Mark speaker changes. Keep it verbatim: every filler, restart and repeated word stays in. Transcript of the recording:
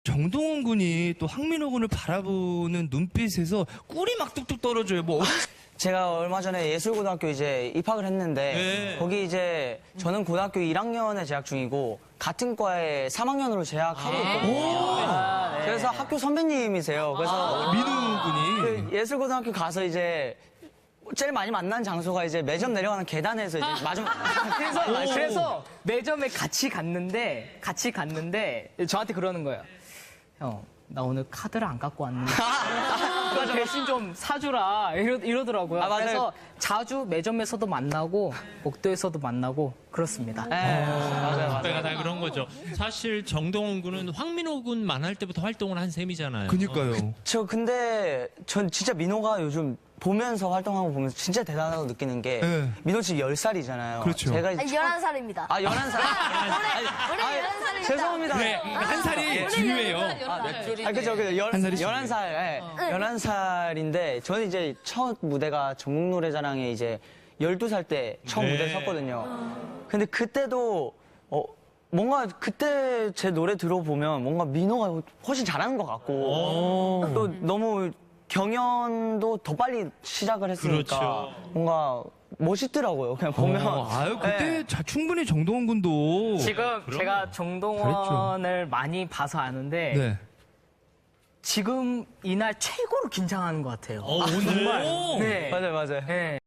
Speaker 1: 정동원 군이 또 황민호 군을 바라보는 눈빛에서 꿀이 막 뚝뚝 떨어져요. 뭐
Speaker 2: 제가 얼마 전에 예술고등학교 이제 입학을 했는데
Speaker 1: 네.
Speaker 2: 거기 이제 저는 고등학교 일 학년에 재학 중이고 같은 과에 삼 학년으로 재학하고 있거든요. 아, 네. 그래서 학교 선배님이세요. 그래서
Speaker 1: 민호 군이
Speaker 2: 그 예술고등학교 가서 이제 제일 많이 만난 장소가 이제 매점 내려가는 계단에서 이제 마지막
Speaker 3: 그래서, 그래서 매점에 같이 갔는데, 같이 갔는데, 저한테 그러는 거예요. 형, 나 오늘 카드를 안 갖고 왔는데. 그래서 대신 좀 사주라. 이러, 이러더라고요.
Speaker 2: 아, 맞아요.
Speaker 3: 그래서 자주 매점에서도 만나고, 복도에서도 만나고, 그렇습니다.
Speaker 2: 네, 맞아요, 맞아요.
Speaker 4: 내가 다 그런 거죠. 사실 정동원 군은 황민호 군만 할 때부터 활동을 한 셈이잖아요.
Speaker 1: 그니까요.
Speaker 2: 저 근데 전 진짜 민호가 요즘 보면서 활동하는 거 보면서 진짜 대단하다고 느끼는 게
Speaker 1: 네.
Speaker 2: 민호 지금 열 살이잖아요.
Speaker 1: 그렇죠.
Speaker 2: 제가 이제
Speaker 5: 아니, 열한 살입니다.
Speaker 2: 아, 열한 살.
Speaker 5: 우리
Speaker 2: 아니,
Speaker 5: 열한 살입니다.
Speaker 2: 죄송합니다.
Speaker 1: 네, 한 살이 중요해요.
Speaker 2: 아, 그죠. 그 열,
Speaker 1: 한 살이
Speaker 2: 열한 살. 예. 열한 살인데, 저는 이제 첫 무대가 전국노래자랑에 이제 열두 살 때 처음
Speaker 4: 네.
Speaker 2: 무대 섰거든요. 근데 그때도, 어, 뭔가 그때 제 노래 들어보면 뭔가 민호가 훨씬 잘하는 것 같고, 또 너무 경연도 더 빨리 시작을 했으니까
Speaker 4: 그렇죠.
Speaker 2: 뭔가 멋있더라고요. 그냥 보면.
Speaker 1: 어, 아유 그때
Speaker 2: 네.
Speaker 1: 자, 충분히 정동원 군도
Speaker 3: 지금 제가 정동원을 많이 봐서 아는데,
Speaker 1: 네.
Speaker 3: 지금 이날 최고로 긴장하는 것 같아요.
Speaker 4: 어, 오늘.
Speaker 3: 네.
Speaker 2: 맞아요, 맞아요.
Speaker 3: 네.